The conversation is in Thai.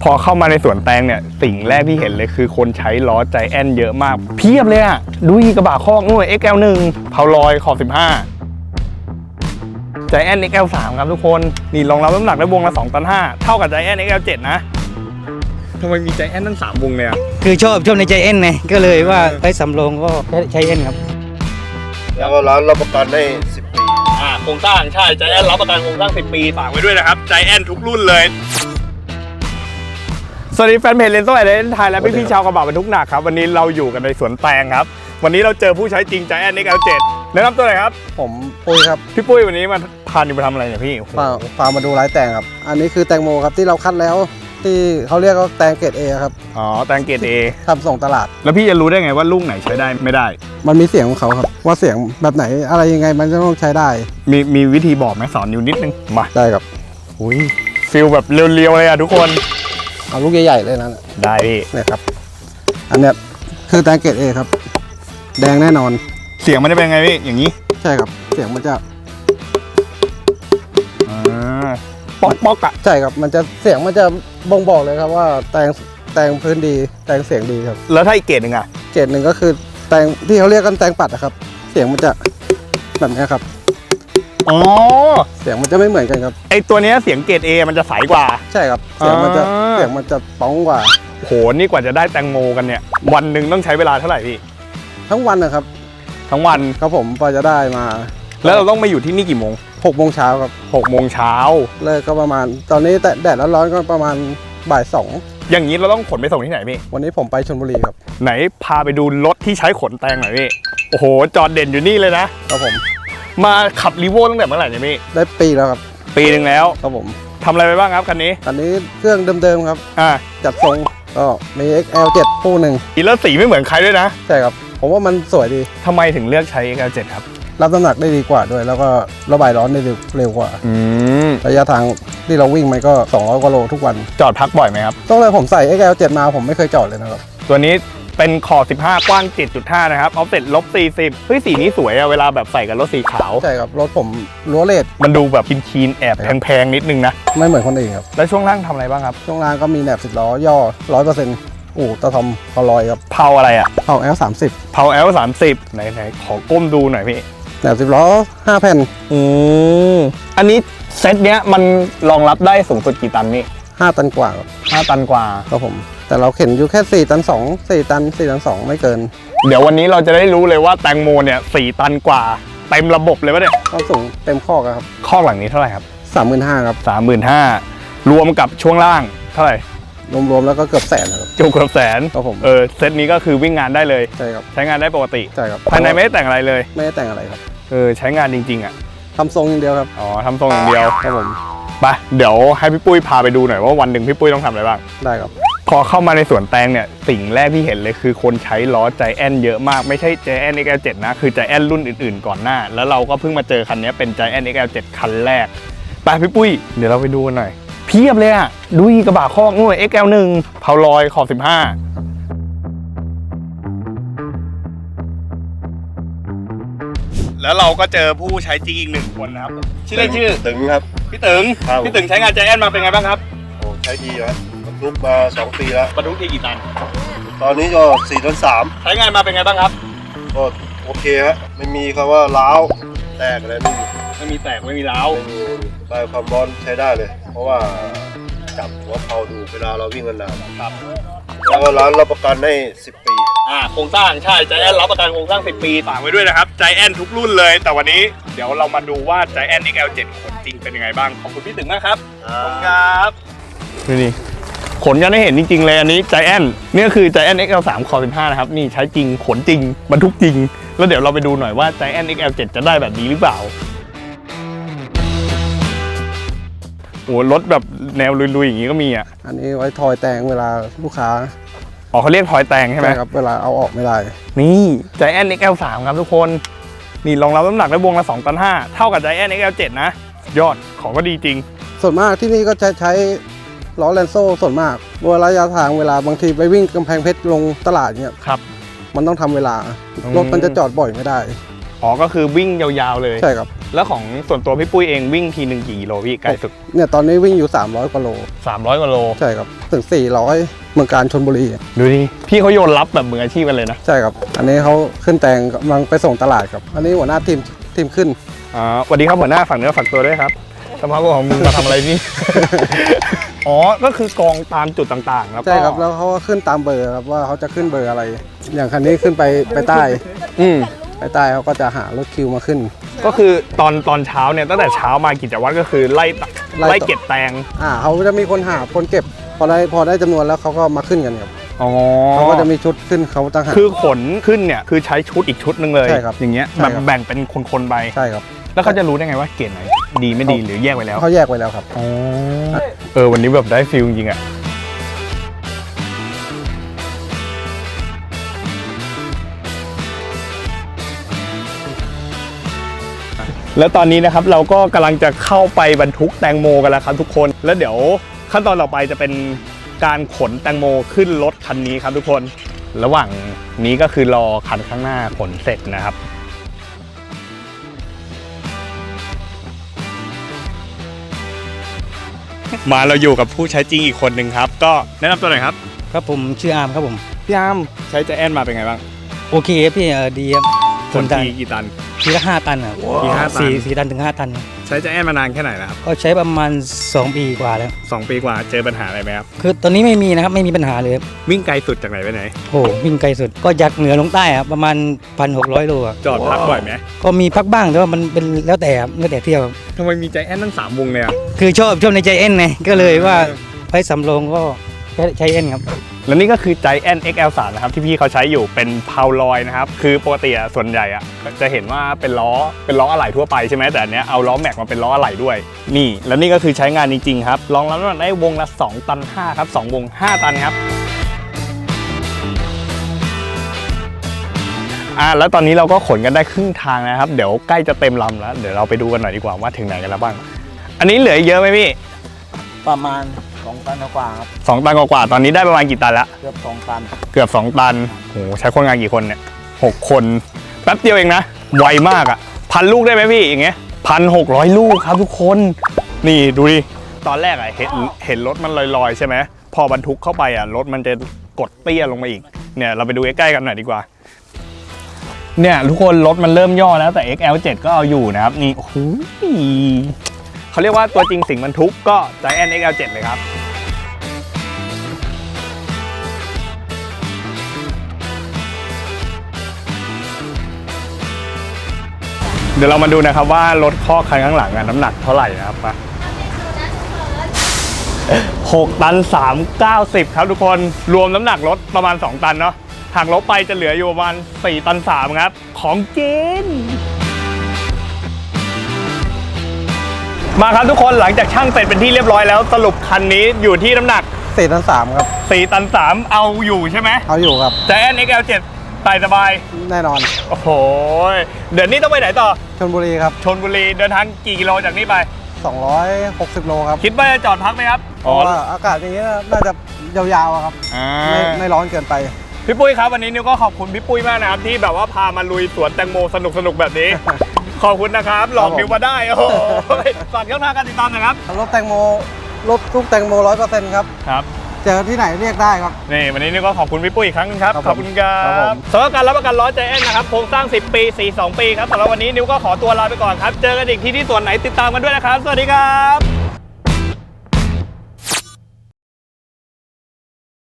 อเข้ามาในสวนแตงเนี่ยสิ่งแรกที่เห็นเลยคือคนใช้ล้อใจแอนเยอะมากเพียบเลยอะดูกระบะคอกนู่น XL1 เพาลอยขอบ15ใจแอน XL3 ครับทุกคนนี่รองรับน้ำหนักได้วงละ2 ตัน 5เท่ากับใจแอน XL7 นะทำไมมีใจแอนตั้ง3 วงเนี่ยคือชอบในใจแอนไงก็เลยว่าไอ้สำรองก็ใช้แอนครับแล้วก็ร้านรับประกันให้10 ปีโครงสร้างใช่ใจแอนรับประกันโครงสร้าง10 ปีฝากไว้ด้วยนะครับใจแอนทุกรุ่นเลยสวัสดีแฟนเพจเลนโซ่ไอเดนไทยและพี่ชาวกระบะบรรทุกหนักครับวันนี้เราอยู่กันในสวนแตงครับวันนี้เราเจอผู้ใช้จริงใจแอน XL7 แนะนำตัวหน่อยครับผมปุ้ยครับพี่ปุ้ยวันนี้มาพานิวไปทำอะไรเนี่ยพี่พามาดูไร้แตงครับอันนี้คือแตงโมครับที่เราคัดแล้วที่เขาเรียกว่าแตงเกรด A ครับอ๋อแตงเกรด A ทำส่งตลาดแล้วพี่จะรู้ได้ไงว่าลูกไหนใช้ได้ไม่ได้มันมีเสียงของเขาครับว่าเสียงแบบไหนอะไรยังไงมันจะต้องใช้ได้มีวิธีบอกไหมสอนนิวนิดนึงมาได้ครับอุ้ยฟิลแบบเรียวๆเลยอะทุกคนเอาลูกใหญ่ๆเลยนะได้พี่เนี่ยครับอันเนี้ยคือแตงเกรด A ครับแดงแน่นอนเสียงมันจะเป็นไงพี่อย่างนี้ใช่ครับเสียงมันจะป๊อกอะใช่ครับมันจะเสียงมันจะบ่งบอกเลยครับว่าแตงพื้นดีแตงเสียงดีครับแล้วถ้าอีกเกรดหนึ่งอะเกรดหนึ่งก็คือแตงที่เขาเรียกกันแตงปัดนะครับเสียงมันจะแบบนี้ครับอ๋อเสียงมันจะไม่เหมือนกันครับไอตัวนี้เสียงเกรด A มันจะใสกว่าใช่ครับเสียงมันจะป้องกว่าโหนี่กว่าจะได้แตงโมกันเนี่ยวันหนึ่งต้องใช้เวลาเท่าไหร่พี่ทั้งวันนะครับทั้งวันครับผมพอจะได้มาแล้วเราต้องมาอยู่ที่นี่กี่โมง 6 โมงเช้าครับ 6 โมงเช้าเลิกก็ประมาณตอนนี้แดดร้อนๆก็ประมาณบ่าย 2 อย่างนี้เราต้องขนไปส่งที่ไหนพี่วันนี้ผมไปชลบุรีครับไหนพาไปดูรถที่ใช้ขนแตงหน่อยพี่โอ้โหจอดเด่นอยู่นี่เลยนะครับผมมาขับรีโวตั้งแต่เมื่อไหร่เนี่ยพี่ได้ปีแล้วครับปีหนึ่งแล้วครับผมทำอะไรไปบ้างครับคันนี้เครื่องเดิมๆครับจัดทรงก็มี XL7 คู่หนึ่งอีแล้วสีไม่เหมือนใครด้วยนะใช่ครับผมว่ามันสวยดีทำไมถึงเลือกใช้ XL7 ครับรับน้ำหนักได้ดีกว่าด้วยแล้วก็ระบายร้อนได้เร็วกว่าระยะทางที่เราวิ่งมันก็200 กว่าโลทุกวันจอดพักบ่อยไหมครับต้องเลยผมใส่ XL7 มาผมไม่เคยจอดเลยนะครับตัวนี้เป็นขอบ15กว้าง 7.5 นะครับออฟเซ็ต-40เฮ้ยสีนี้สวยอะเวลาแบบใส่กับรถสีขาวใช่ครับรถผมรั้วเลดมันดูแบบคีนแอบแพงๆนิดนึงนะไม่เหมือนคนอื่นครับแล้วช่วงล่างทำอะไรบ้างครับช่วงล่างก็มีแหนบ10 ล้อย่อ 100%ตะทอมพอลอยครับเผาอะไรอะเผา L30 เผา L30 ไหนขอก้มดูหน่อยพี่แหนบ10 ล้อ5 แผ่นอันนี้เซตเนี้ยมันรองรับได้สูงสุดกี่ตันนี่ 5 ตันกว่าครับ 5 ตันกว่าครับผมแต่เราเข็นอยู่แค่4 ตัน 2 4 ตัน 4 ตัน 2ไม่เกินเดี๋ยววันนี้เราจะได้รู้เลยว่าแตงโมเนี่ย4 ตันกว่าเต็มระบบเลยปะเนี่ยก็สูงเต็มข้อครับข้อหลังนี้เท่าไหร่ครับ 35,000ครับ 35,000รวมกับช่วงล่างเท่าไหร่รวมแล้วก็เกือบ100,000ครับเกือบ100,000 ครับผมเซตนี้ก็คือวิ่งงานได้เลยใช่ครับใช้งานได้ปกติใช่ครับภายในไม่ได้แต่งอะไรเลยไม่ได้แต่งอะไรครับใช้งานจริงๆอ่ะทำทรงอย่างเดียวครับอ๋อทำทรงอย่างเดียวครับผมไปเดี๋ยวให้พี่ปุ้ยพาไปดูหน่อยว่าวันหนึ่งพี่ปุ้ยต้องทำอะไรบ้างได้ครับพอเข้ามาในสวนแตงเนี่ยสิ่งแรกที่เห็นเลยคือคนใช้ล้อใจแอนเยอะมากไม่ใช่ใจแอน XL7 นะคือใจแอนรุ่นอื่นๆก่อนหน้าแล้วเราก็เพิ่งมาเจอคันนี้เป็นใจแอน XL7 คันแรกไปพี่ปุ้ยเดี๋ยวเราไปดูกันหน่อยเพียบเลยอะดูกระบะคอกนู่น XL1 เพาลอยขอบ15แล้วเราก็เจอผู้ใช้จริงอีก1 คนนะครับชื่อตึงครับพี่ตึงใช้งานใจแอนมาเป็นไงบ้างครับโอ้ใช้ดีครับบรรทุกมา2 ปีแล้วบรรทุกที่กี่ตันตอนนี้ก็4 ตัน 3 ใช้งานมาเป็นไงบ้างครับก็โอเคฮะไม่มีคำว่าล้าวแตกอะไรไม่มีแตกไม่มีล้าวใบความร้อนใช้ได้เลยเพราะว่าจับหัวเพาดูเวลาเราวิ่งกันนานครับแล้วก็ร้านรับประกันให้10 ปีโครงสร้างใช่ใจแอนรับประกันโครงสร้าง10 ปีฝากไว้ด้วยนะครับใจแอนทุกรุ่นเลยแต่วันนี้เดี๋ยวเรามาดูว่าใจแอน XL7 ขนจริงเป็นยังไงบ้างขอบคุณพี่ตึงมากครับขอบคุณครับนี่ขนกันให้เห็นจริงๆเลยอันนี้ใจแอนนี่คือใจแอน XL3 คอ15นะครับนี่ใช้จริงขนจริงบรรทุกจริงแล้วเดี๋ยวเราไปดูหน่อยว่าใจแอน XL7 จะได้แบบนี้หรือเปล่าโอ้รถแบบแนวลุยๆอย่างนี้ก็มีอ่ะอันนี้ไว้ทอยแตงเวลาลูกค้าเขาเรียกทอยแตงใช่ไหมครับเวลาเอาออกไม่ได้นี่ใจแอน XL3 ครับทุกคนนี่รองรับน้ำหนักได้วงละ2 ตัน 5เท่ากับใจแอน XL7 นะยอดของก็ดีจริงส่วนมากที่นี่ก็จะใช้ล้อแลนโซ่ส่วนมากระยะทางเวลาบางทีไปวิ่งกำแพงเพชรลงตลาดเนี่ยครับมันต้องทำเวลารถมันจะจอดบ่อยไม่ได้ก็คือวิ่งยาวๆเลยใช่ครับแล้วของส่วนตัวพี่ปุ้ยเองวิ่งทีหนึ่งกี่กิโลพี่ไกลสุดเนี่ยตอนนี้วิ่งอยู่ 300 กว่าโล 300 กว่าโลใช่ครับถึง 400 เมืองการชลบุรีดูดิพี่เขาโยนรับแบบมืออาชีพกันเลยนะใช่ครับ อันนี้เขาขึ้นแตงกำลังไปส่งตลาดครับ อันนี้หัวหน้าทีมขึ้นสวัสดีครับหัวหน้าฝากเนื้อฝากตัวด้วยครับสภาพของมึงมาทำอะไรนี่ อ๋อก็คือกองตามจุดต่างๆแล้วก็ใช่ครับ แล้วเขาก็ขึ้นตามเบอร์ครับว่าเขาจะขึ้นเบอร์อะไร อย่างคันนี้ขึ้นไปใต้อืมไปใต้เขาก็จะหารถคิวมาขึ้นก็คือตอนเช้าเนี่ยตั้งแต่เช้ามากิจวัตรก็คือไล่เก็บแตงเขาจะมีคนหาคนเก็บ พอได้จำนวนแล้วเขาก็มาขึ้นกันครับอ๋อเขาก็จะมีชุดขึ้นเขาต่างหากคือขนขึ้นเนี่ยคือใช้ชุดอีกชุดหนึ่งเลยใช่ครับอย่างเงี้ยใช่แบบครับแบ่งเป็นคนๆไปใช่ครับแล้วเขาจะรู้ได้ไงว่าเกรดไหนดีไม่ดีหรือแยกไว้แล้วเขาแยกไว้แล้วครับอ๋อวันนี้แบบได้ฟีลจริงๆอ่ะแล้วตอนนี้นะครับเราก็กำลังจะเข้าไปบรรทุกแตงโมกันแล้วครับทุกคนแล้วเดี๋ยวขั้นตอนต่อไปจะเป็นการขนแตงโมขึ้นรถคันนี้ครับทุกคนระหว่างนี้ก็คือรอคันข้างหน้าขนเสร็จนะครับมาเราอยู่กับผู้ใช้จริงอีกคนหนึ่งครับก็แนะนำตัวหน่อยครับครับผมชื่ออาร์มครับผมพี่อาร์มใช้ใจแอนมาเป็นไงบ้างโอเคครับพี่ดีครับขนทีกี่ตันทีละ5 ตันครับที5 ตัน 4 ตันถึง 5 ตันใช้ใจแอนมานานแค่ไหนแล้วครับก็ใช้ประมาณ 2 ปีกว่าแล้ว 2 ปีกว่าเจอปัญหาอะไรไหมครับคือตอนนี้ไม่มีนะครับไม่มีปัญหาเลยครับวิ่งไกลสุดจากไหนไปไหนโอ้วิ่งไกลสุดก็จากเหนือลงใต้ครับประมาณ 1,600 โลครับจอดพักบ่อยไหมก็มีพักบ้างแต่ว่ามันเป็นแล้วแต่ครับแล้วแต่เที่ยวครับทำไมมีใจแอนตั้ง3 วงเลยอ่ะคือชอบในใจเอ็นไงก็เลยว่าไปสำโรงก็ใช้เอ็นครับและนี่ก็คือใจแอน XL3 นะครับที่พี่เขาใช้อยู่เป็นเพาลอยนะครับคือปกติอะส่วนใหญ่อะจะเห็นว่าเป็นล้ออะไหล่ทั่วไปใช่ไหมแต่อันเนี้ยเอาล้อแม็กมาเป็นล้ออะไหล่ด้วยนี่แล้วนี่ก็คือใช้งานจริงๆครับรองรับน้ำหนักได้วงละ2 ตัน 5ครับ2 วง 5 ตันครับแล้วตอนนี้เราก็ขนกันได้ครึ่งทางนะครับเดี๋ยวใกล้จะเต็มลำแล้วเดี๋ยวเราไปดูกันหน่อยดีกว่าว่าถึงไหนกันแล้วบ้างอันนี้เหลือเยอะไหมพี่ประมาณ2 ตันกว่าครับ 2 ตันกว่าๆตอนนี้ได้ประมาณกี่ตันละเกือบ2 ตันเกือบ2 ตันโหใช้คนงานกี่คนเนี่ย6 คนแป๊บเดียวเองนะไวมากอ่ะ1,000 ลูกได้ไหมพี่อย่างเงี้ย1,600 ลูกครับทุกคนนี่ดูดิตอนแรกอ่ะเห็นรถมันลอยๆใช่ไหมพอบรรทุกเข้าไปอ่ะรถมันจะกดเตี้ยลงมาอีกเนี่ยเราไปดูใกล้ๆกันหน่อยดีกว่าเนี่ยทุกคนรถมันเริ่มย่อแล้วแต่ XL7 ก็เอาอยู่นะครับนี่โอ้โหเขาเรียกว่าตัวจริงสิ่งบรรทุกก็ Giant XL7 เลยครับเดี๋ยวเรามาดูนะครับว่ารถข้อคันข้างหลังน้ำหนักเท่าไหร่นะครับมา6 ตัน 390 ครับทุกคนรวมน้ำหนักรถประมาณ2 ตันเนาะหักลบไปจะเหลืออยู่ประมาณ4 ตัน 3ครับของจริงมาครับทุกคนหลังจากช่างเสร็จเป็นที่เรียบร้อยแล้วสรุปคันนี้อยู่ที่น้ำหนัก 4 ตัน 3 ครับ 4 ตัน 3เอาอยู่ใช่ไหมเอาอยู่ครับ Giant XL7 ไต่สบายแน่นอนโอ้โหเดี๋ยวนี้ต้องไปไหนต่อชลบุรีครับชลบุรีเดินทางกี่กิโลจากนี้ไป 260 โลครับคิดว่าจะจอดพักไหมครับเพราะว่าอากาศอย่างนี้น่าจะยาวๆอะครับ ไม่ร้อนเกินไปพี่ปุ้ยครับวันนี้นิวก็ขอบคุณพี่ปุ้ยมากนะครับที่แบบว่าพามาลุยสวนแตงโมสนุกๆแบบนี้ ขอบคุณนะครับหลอกนิวมาได้โอ้โหฝากช่องทางการติดตามหนะครับรถแตงโมรถทุกแตงโม 100% ครับครับเจอที่ไหนเรียกได้ครับนี่วันนี้นิวก็ขอบคุณพี่ปุ้ยอีกครั้งนึงครับครับขอบคุณครัครับผบมสำหรับการรับประกันล้อใจแอนนะครับโครงสร้าง10 ปี42 ปีครับสำหรับวันนี้นิวก็ขอตัวลาไปก่อนครับเจอกันอีกที่สวนไหนติดตามกันด้วยนะครับสวัสดีครับ